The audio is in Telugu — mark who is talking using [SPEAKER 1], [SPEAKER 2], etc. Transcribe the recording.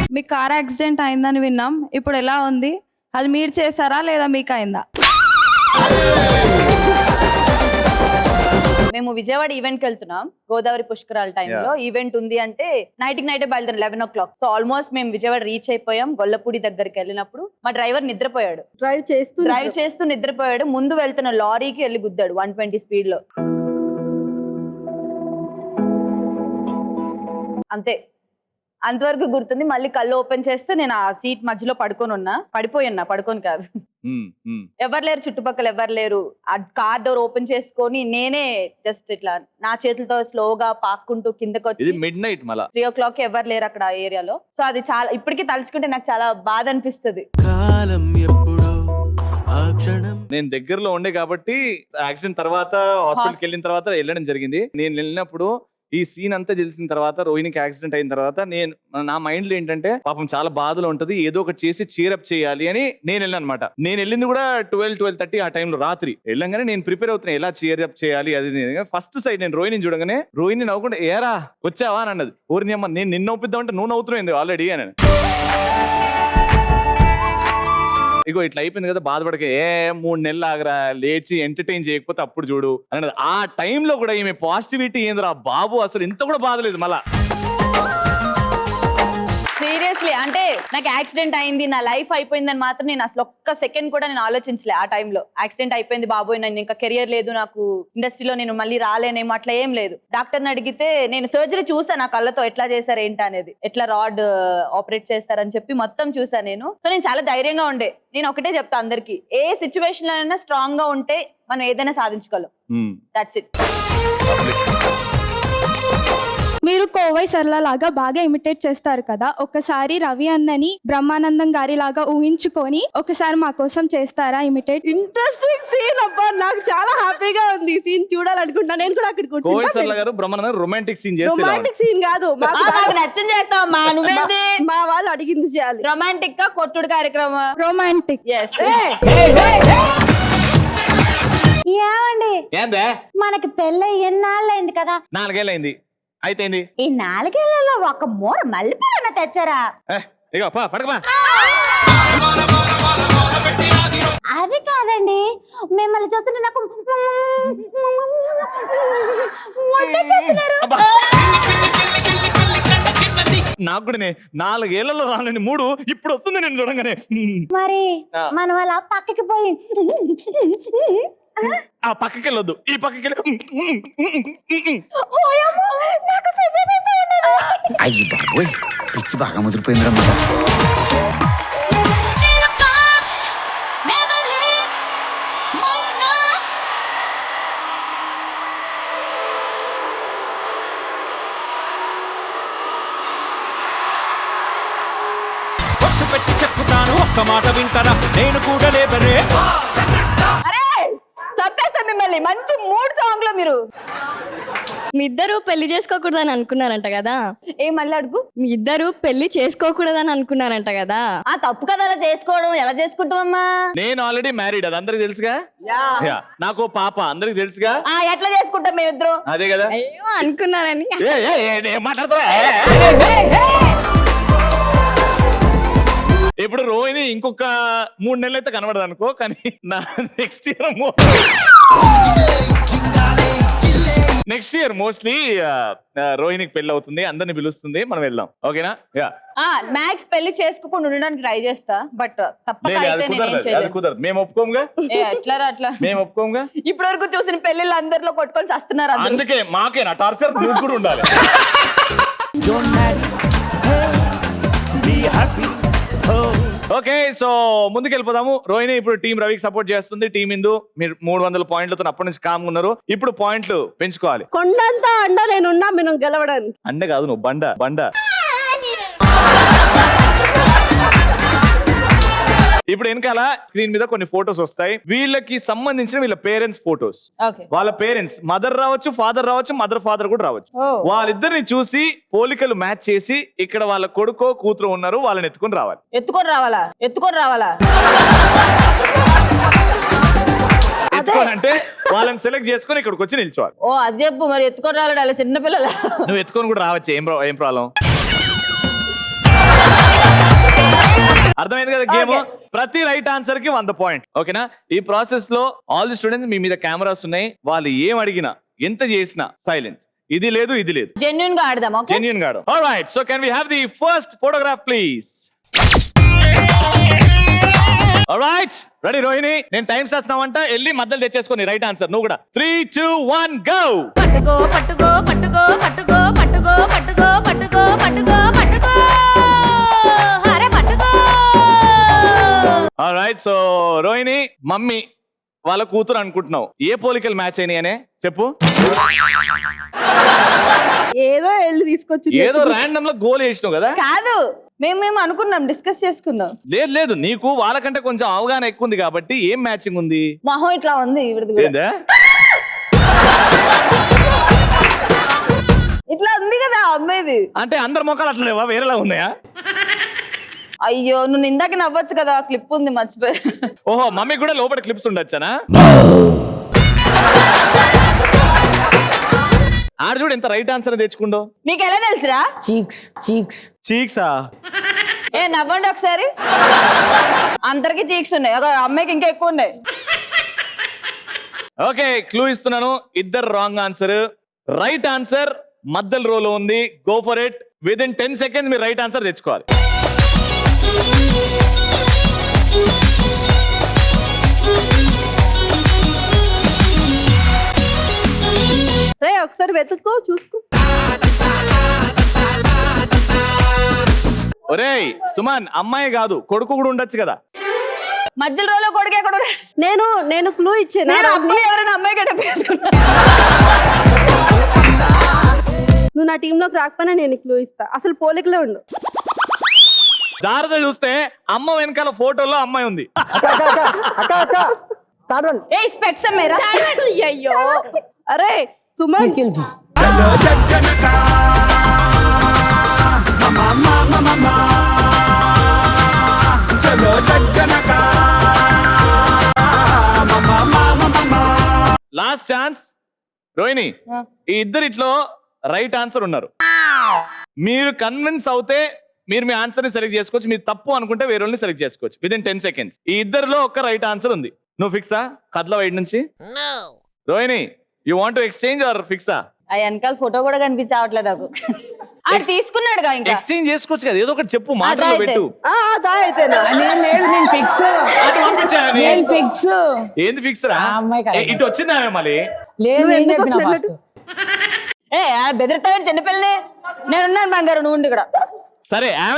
[SPEAKER 1] మీ కార్ యాక్సిడెంట్ అయిందని విన్నాం, ఇప్పుడు ఎలా ఉంది? అది మీరు చేశారా లేదా మీకు అయిందా?
[SPEAKER 2] మేము విజయవాడ ఈవెంట్కి వెళ్తున్నాం, గోదావరి పుష్కరాల టైంలో ఈవెంట్ ఉంది అంటే నైట్కి నైటే బయలుదేరం 11 o'clock. సో ఆల్మోస్ట్ మేము విజయవాడ రీచ్ అయిపోయాం. గొల్లపూడి దగ్గరికి వెళ్ళినప్పుడు మా డ్రైవర్ నిద్రపోయాడు. డ్రైవ్ చేస్తూ నిద్రపోయాడు. ముందు వెళ్తున్న లారీకి వెళ్ళి గుద్దాడు 120 స్పీడ్ లో. అంతే, అంతవరకు గుర్తుంది. మళ్ళీ కళ్ళు ఓపెన్ చేస్తే నేను ఆ సీట్ మధ్యలో పడుకోని కాదు, ఎవరు లేరు చుట్టుపక్కల, ఎవరు లేరు. ఆ కార్ డోర్ ఓపెన్ చేసుకొని నేనే జస్ట్ ఇట్లా నా చేతులతో స్లోగా పాక్కుంటూ కిందకి వచ్చి
[SPEAKER 3] midnight
[SPEAKER 2] 3 o'clock ఎవరు లేరు అక్కడ ఆ ఏరియాలో. సో అది చాలా, ఇప్పటికీ తలుచుకుంటే నాకు చాలా బాధ అనిపిస్తుంది.
[SPEAKER 3] నేను దగ్గరలో ఉండే కాబట్టి యాక్సిడెంట్ తర్వాత హాస్పిటల్కి వెళ్ళిన తర్వాత వెళ్ళడం జరిగింది. నేను వెళ్ళినప్పుడు ఈ సీన్ అంతా తెలిసిన తర్వాత, రోహిణికి యాక్సిడెంట్ అయిన తర్వాత నా మైండ్ లో ఏంటంటే పాపం చాలా బాధలో ఉంటది, ఏదో ఒకటి చేసి చీరప్ చేయాలి అని నేను వెళ్ళాను అనమాట. నేను వెళ్ళింది కూడా 12-12:30 ఆ టైంలో రాత్రి. వెళ్ళంగానే నేను ప్రిపేర్ అవుతున్నా ఎలా చీరప్ చేయాలి అది. ఫస్ట్ సైడ్ నేను రోహిణిని చూడగానే రోహిణి నవ్వుకుంటే ఏరా వచ్చావా అని అన్నది. ఊరిని అమ్మ నేను నిన్ను నవ్వుపిద్దామంటే నువ్వు నవ్వుతున్నావు ఆల్రెడీ అని. ఇగో ఇట్లా అయిపోయింది కదా, బాధపడక 3 నెలలు ఆగరా, లేచి ఎంటర్టైన్ చేయకపోతే అప్పుడు చూడు అన్నది. ఆ టైంలో కూడా ఈమె పాజిటివిటీ ఏందిరా బాబు, అసలు ఇంత కూడా బాధలేదు మళ్ళా.
[SPEAKER 2] సీరియస్లీ అంటే నాకు యాక్సిడెంట్ అయింది, నా లైఫ్ అయిపోయిందని మాత్రం నేను అసలు ఒక్క సెకండ్ కూడా నేను ఆలోచించలే. ఆ టైంలో యాక్సిడెంట్ అయిపోయింది బాబోయ్, నేను ఇంకా కెరియర్ లేదు, నాకు ఇండస్ట్రీలో నేను మళ్ళీ రాలేనేమో, అట్లా ఏం లేదు. డాక్టర్ని అడిగితే నేను సర్జరీ చూసాను, నా కళ్ళతో ఎట్లా చేశారు ఏంటి అనేది, ఎట్లా రాడ్ ఆపరేట్ చేస్తారని చెప్పి మొత్తం చూసాను నేను. సో నేను చాలా ధైర్యంగా ఉండే. నేను ఒకటే చెప్తా అందరికి, ఏ సిచ్యువేషన్ లో అయినా స్ట్రాంగ్ గా ఉంటే మనం ఏదైనా సాధించగలం. That's it.
[SPEAKER 4] మీరు కోవై సరళ లాగా బాగా ఇమిటేట్ చేస్తారు కదా, ఒకసారి రవి అన్నని బ్రహ్మానందం గారి లాగా ఊహించుకొని ఒకసారి మా కోసం చేస్తారా ఇమిటేట్?
[SPEAKER 5] ఇంట్రెస్టింగ్ సీన్ అబ్బా, నాకు చాలా హ్యాపీగా ఉంది. సీన్ చూడాలనుకుంటున్నా. నేను కూడా అక్కడికి
[SPEAKER 3] కోవై సరళ గారు బ్రహ్మానందం రొమాంటిక్ సీన్ చేస్తే,
[SPEAKER 5] రొమాంటిక్ సీన్ కాదు,
[SPEAKER 2] నాకు నచ్చని చేస్తావా నువ్వేంది?
[SPEAKER 5] మా వాళ్ళు అడిగింది చేయాలి.
[SPEAKER 2] రొమాంటిక్ గా కొట్టుడు కార్యక్రమం.
[SPEAKER 4] రొమాంటిక్.
[SPEAKER 6] ఏమండి,
[SPEAKER 3] ఏందే
[SPEAKER 6] మనకి పెళ్ళి ఎన్నాళ్ళైంది కదా?
[SPEAKER 3] 4 ఏళ్ళైంది. అయితే
[SPEAKER 6] ఈ 4 ఏళ్లలో ఒక మూర మల్లెపూలన్నా తెచ్చారా?
[SPEAKER 3] ఇగో పడకమా.
[SPEAKER 6] అది కాదండి, మిమ్మల్ని చూస్తుంటే నాకు
[SPEAKER 3] నాకు కూడా 4 ఏళ్లలో రానండి 3 ఇప్పుడు వస్తుంది నేను చూడంగానే.
[SPEAKER 6] మరి మన వాళ్ళ పక్కకి పోయి
[SPEAKER 3] ఆ పక్కకి వెళ్ళొద్దు, ఈ పక్కకి
[SPEAKER 7] అయ్యి బాబోయ్, పిచ్చి బాగా ముదిరిపోయిందిరమ్మా.
[SPEAKER 8] పెట్టి చెప్పుతాను, ఒక్క మాట వింటారా? నేను కూడా లేబరే.
[SPEAKER 2] అరే చంపేస్తా మిమ్మల్ని. మంచి 3 సాంగ్ లో మీరు
[SPEAKER 4] మీ ఇద్దరు పెళ్లి చేసుకోకూడదని అనుకున్నారంట కదా?
[SPEAKER 2] మళ్ళీ అడుగు.
[SPEAKER 4] మీ ఇద్దరు పెళ్లి చేసుకోకూడదని అనుకున్నారంట కదా?
[SPEAKER 2] ఆ తప్పు కదా అలా చేసుకోవడం, ఎలా చేసుకుంటామమ్మా?
[SPEAKER 3] నేను ఆల్రెడీ మ్యారీడ్, అది అందరికి తెలుసుగా. నాకు పాప అందరికి తెలుసుగా.
[SPEAKER 2] ఎట్లా చేసుకుంటాం మేమిద్దరు?
[SPEAKER 3] అదే కదా.
[SPEAKER 4] ఏమో అనుకున్నారని.
[SPEAKER 3] మాట్లాడతారా? ఇప్పుడు రోహిణి ఇంకొక 3 నెలలు అయితే కనబడదు అనుకో, కానీ నెక్స్ట్ ఇయర్ మోస్ట్లీ రోహిణికి పెళ్లి అవుతుంది, అందరిని పిలుస్తుంది, మనం వెళ్దాం. ఓకేనా?
[SPEAKER 2] మ్యాక్స్ పెళ్లి చేసుకోకుండా ఉండడానికి ట్రై చేస్తా, బట్
[SPEAKER 3] కుదరదు. మేము ఒప్పుకోముగా.
[SPEAKER 2] అట్లా
[SPEAKER 3] మేము ఒప్పుకోముగా.
[SPEAKER 2] ఇప్పటి వరకు చూసిన పెళ్లిళ్ళు అందరిలో కొట్టుకొని వస్తున్నారు.
[SPEAKER 3] అందుకే మాకేనా టార్చర్? నువ్వు కూడా ఉండాలి. Okay, so ముందుకెళ్ళిపోదాము. రోహిణి ఇప్పుడు టీం రవికి సపోర్ట్ చేస్తుంది. టీం ఇందు మీరు 300 పాయింట్లతో అప్పటి నుంచి కామ్ ఉన్నారు. ఇప్పుడు పాయింట్లు పెంచుకోవాలి.
[SPEAKER 5] కొండంతా అండ నేనున్నా మనం గెలవడానికి.
[SPEAKER 3] అండ కాదు, నువ్వు బండ. ఇప్పుడు వెనకాల స్క్రీన్ మీద కొన్ని ఫొటోస్ వస్తాయి. వీళ్ళకి సంబంధించిన వీళ్ళ పేరెంట్స్ ఫొటోస్. వాళ్ళ పేరెంట్స్ మదర్ రావచ్చు, ఫాదర్ రావచ్చు, మదర్ ఫాదర్ కూడా రావచ్చు. వాళ్ళిద్దరిని చూసి పోలికలు మ్యాచ్ చేసి ఇక్కడ వాళ్ళ కొడుకో కూతురు ఉన్నారు, వాళ్ళని ఎత్తుకొని రావాలి. ఎత్తుకోనంటే వాళ్ళని సెలెక్ట్ చేసుకుని ఇక్కడికి వచ్చి నిల్చోవాలి.
[SPEAKER 2] అది చెప్పు మరి. ఎత్తుకొని రావాలి చిన్న పిల్లల.
[SPEAKER 3] నువ్వు ఎత్తుకొని కూడా రావచ్చు, ఏం ప్రాబ్లం. అర్థమైంది కదా గేమ్?
[SPEAKER 2] Okay.
[SPEAKER 3] ప్రతి రైట్ ఆన్సర్ కి 100 పాయింట్. ఓకేనా? ఈ ప్రాసెస్ లో ఆల్ ది స్టూడెంట్స్ మీ మీద కెమెరాస్ ఉన్నాయి. వాళ్ళు ఏం అడిగినా ఎంత చేసినా సైలెంట్. ఇది లేదు ఇది లేదు.
[SPEAKER 2] జెన్యున్ గా ఆడదాం. ఓకే,
[SPEAKER 3] జెన్యూన్ గాడు. Alright, so can we have the first photograph please? Alright, ready Rohini? నేను టైం చేస్తున్నావంట, వెళ్ళి మధ్యలో తెచ్చేసుకోని రైట్ ఆన్సర్. నువ్వు కూడా 3, 2, 1 గో.
[SPEAKER 6] పట్టుకో పట్టుకో పట్టుకో పట్టుకో పట్టుకో పట్టుకో పట్టుకో పట్టుకో పట్టుకో అరే పట్టుకో.
[SPEAKER 3] ఆల్రైట్, సో రోహిణి మమ్మీ వాళ్ళ కూతురు అనుకుంటున్నావు. ఏ పోలికలు మ్యాచ్ అయినాయి అనే చెప్పు.
[SPEAKER 5] ఏదో వెళ్ళి తీసుకొచ్చి
[SPEAKER 3] ఏదో ర్యాండమ్ లో గోల్ వేసినావు కదా?
[SPEAKER 2] కాదు, మేము అనుకున్నాం, డిస్కస్ చేసుకున్నాం.
[SPEAKER 3] లేదు లేదు, నీకు వాళ్ళకంటే కొంచెం అవగాహన ఎక్కువ ఉంది కాబట్టి ఏం మ్యాచింగ్ ఉంది?
[SPEAKER 2] మొహం ఇట్లా ఉంది ఈవిడది కూడా.
[SPEAKER 3] ఏందా?
[SPEAKER 2] ఇట్లా ఉంది కదా అమ్మాయిది.
[SPEAKER 3] అంటే అందరి మొక్కలు అట్లా లేవా, వేరేలా ఉన్నాయా?
[SPEAKER 2] అయ్యో, నువ్వు ఇందాక నవ్వచ్చు కదా, క్లిప్ ఉంది మర్చిపోయా.
[SPEAKER 3] ఓహో, మమ్మీ కూడా లోపల క్లిప్స్ ఉండొచ్చానా? ఆడ చూడు ఎంత రైట్ ఆన్సర్ తెచ్చుకుండో.
[SPEAKER 2] నీకు ఎలా తెలుసురా?
[SPEAKER 3] చీక్సా?
[SPEAKER 2] ఏ నవ్వండి ఒకసారి. అందరికి చీక్స్ ఉన్నాయి, ఒక అమ్మాయికి ఇంకా ఎక్కువ ఉన్నాయి.
[SPEAKER 3] ఓకే, క్లూ ఇస్తున్నాను. ఇద్దరు రాంగ్ ఆన్సర్. రైట్ ఆన్సర్ మధ్యలో రోలో ఉంది. Go for it. Within 10 seconds మీరు రైట్ ఆన్సర్ తెచ్చుకోవాలి.
[SPEAKER 5] రే ఒకసారి వెతుక్కో, చూసుకో.
[SPEAKER 3] ఒరేయ్ సుమన్, అమ్మాయి కాదు కొడుకు కూడా ఉండొచ్చు కదా.
[SPEAKER 2] మధ్యలో రోజులో కొడుకు ఎక్కడ ఉన్నాడు?
[SPEAKER 5] నేను క్లూ ఇచ్చాను.
[SPEAKER 2] నేను అబ్బాయి ఎవరైనా అమ్మాయి గడ్డ వేసుకున్నా.
[SPEAKER 5] నువ్వు నా టీమ్ లోకి రాకపోయినా నేను క్లూ ఇస్తా. అసలు పోలికలే ఉండు.
[SPEAKER 3] జాగ్రత్త చూస్తే అమ్మ వెనకాల ఫోటోలో అమ్మాయి ఉంది.
[SPEAKER 2] ఏ స్పెక్స్ అమ్మేరా?
[SPEAKER 5] అయ్యో, అరే సుమన్,
[SPEAKER 3] లాస్ట్ ఛాన్స్ రోహిణి. ఈ ఇద్దరిట్లో రైట్ ఆన్సర్ ఉన్నారు. మీరు కన్విన్స్ అవుతే మీరు మీ ఆన్సర్ ని సెలెక్ట్ చేసుకోవచ్చు. మీరు తప్పు అనుకుంటే వేరే వాళ్ళని సెలెక్ట్ చేసుకోవచ్చు. Within 10 seconds. ఈ ఇద్దరిలో ఒక రైట్ ఆన్సర్ ఉంది. నువ్వు ఫిక్సా? కట్ల వైడ్ నుంచి Rohini, you want to exchange or ఫిక్సా?
[SPEAKER 2] ఆ వెనకాల ఫోటో కూడా కనిపించవట్లేదు నాకు. అది తీసుకున్నాడుగా, ఇంకా
[SPEAKER 3] ఎక్స్చేంజ్ చేసుకోవచ్చు కదా, ఏదో ఒకటి చెప్పు, మాటల్లో పెట్టు.
[SPEAKER 5] దా అయితేనా?
[SPEAKER 3] అటు పంపించాను.
[SPEAKER 9] నేను ఫిక్స్.
[SPEAKER 3] ఏంది ఫిక్స్ రా?
[SPEAKER 9] ఆ అమ్మాయి కదా.
[SPEAKER 3] ఇటు వచ్చిందా మళ్ళీ?
[SPEAKER 9] లేదు,
[SPEAKER 5] నువ్వు
[SPEAKER 9] నేను
[SPEAKER 5] ఎందుకు
[SPEAKER 9] చెప్పిన
[SPEAKER 5] వస్తలేదు?
[SPEAKER 9] ఫస్ట్.
[SPEAKER 2] ఏ బెదిరిస్తావని చిన్నపిల్లని. నేనున్నాను బంగారు, నువ్వు ఉండి ఇక్కడ.
[SPEAKER 3] సరే ఆమె